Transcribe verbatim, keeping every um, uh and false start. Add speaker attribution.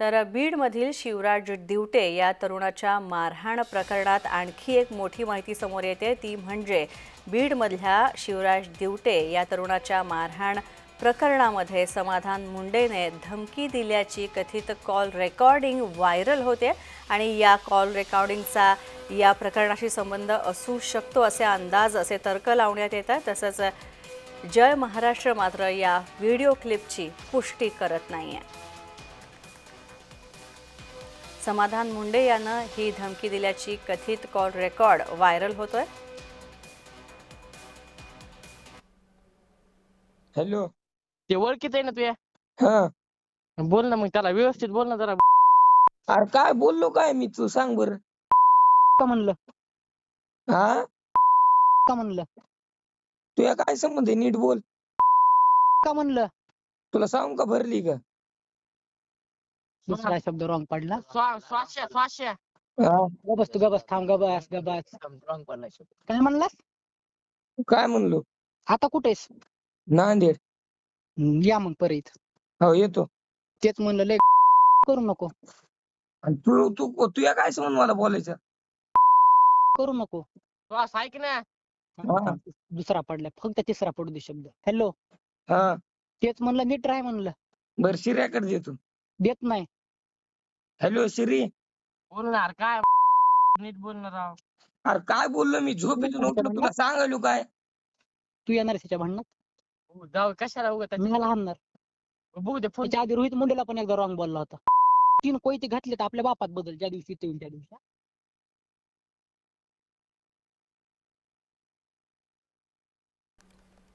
Speaker 1: तर बीडमधील शिवराज दिवटे या तरुणाच्या मारहाण प्रकरणात आणखी एक मोठी माहिती समोर येते, ती म्हणजे बीडमधल्या शिवराज दिवटे या तरुणाच्या मारहाण प्रकरणामध्ये समाधान मुंडेने धमकी दिल्याची कथित कॉल रेकॉर्डिंग व्हायरल होते आणि या कॉल रेकॉर्डिंगचा या प्रकरणाशी संबंध असू शकतो असे अंदाज असे तर्क लावण्यात येतात। तसंच जय महाराष्ट्र मात्र या व्हिडिओ क्लिपची पुष्टी करत नाहीये। समाधान मुंडे यानं ही धमकी दिल्याची कथित कॉल रेकॉर्ड व्हायरल होतोय।
Speaker 2: हॅलो,
Speaker 3: ते ओळखीत आहे ना तुया?
Speaker 2: हा
Speaker 3: बोल ना मग, त्याला व्यवस्थित बोल ना जरा।
Speaker 2: अरे काय बोललो काय मी, तू सांग बर।
Speaker 3: का म्हणलं
Speaker 2: हा
Speaker 3: का म्हणलं
Speaker 2: तुया काय संबंध आहे, नीट बोल।
Speaker 3: का म्हणलं
Speaker 2: तुला सांगू का भरली का?
Speaker 3: दुसरा शब्द रॉंग पडला। स्वाश्या स्वाश्या
Speaker 2: हा
Speaker 3: गबस तू गबस थांब गबस गबस रॉंग पडला शब्द। काय म्हणलास?
Speaker 2: काय म्हणलो?
Speaker 3: आता कुठेस?
Speaker 2: नांदेड।
Speaker 3: हम्म, या मग परत।
Speaker 2: हो येतो।
Speaker 3: तेच म्हणलं लय करू नको
Speaker 2: आणि तू तू तुया काय संबंध मला बोलायचं?
Speaker 3: करू नको श्वास ऐक ना।
Speaker 2: हा.
Speaker 3: दुसरा पडला, फक्त तिसरा पडू दे शब्द। हॅलो,
Speaker 2: हा
Speaker 3: तेच म्हणलं नीट राह म्हणलं।
Speaker 2: बर शिर्याकडे देतो।
Speaker 3: देत नाही।
Speaker 2: हॅलो शिरी,
Speaker 3: बोलणार काय नीट बोलणार राव।
Speaker 2: अरे काय बोललो मी, झोपेतून उठलो तुला सांगायलो काय?
Speaker 3: तू येणार त्याच्या भांडणात? जाऊ कशाला उगत मला हाणणार बघू दे फोन। त्याच्या आधी रोहित मुंडेला पण एकदा रॉंग बोलला होता। तीन कोयते घातले तर आपल्या बापात बदल, ज्या दिवशी ते त्या दिवशी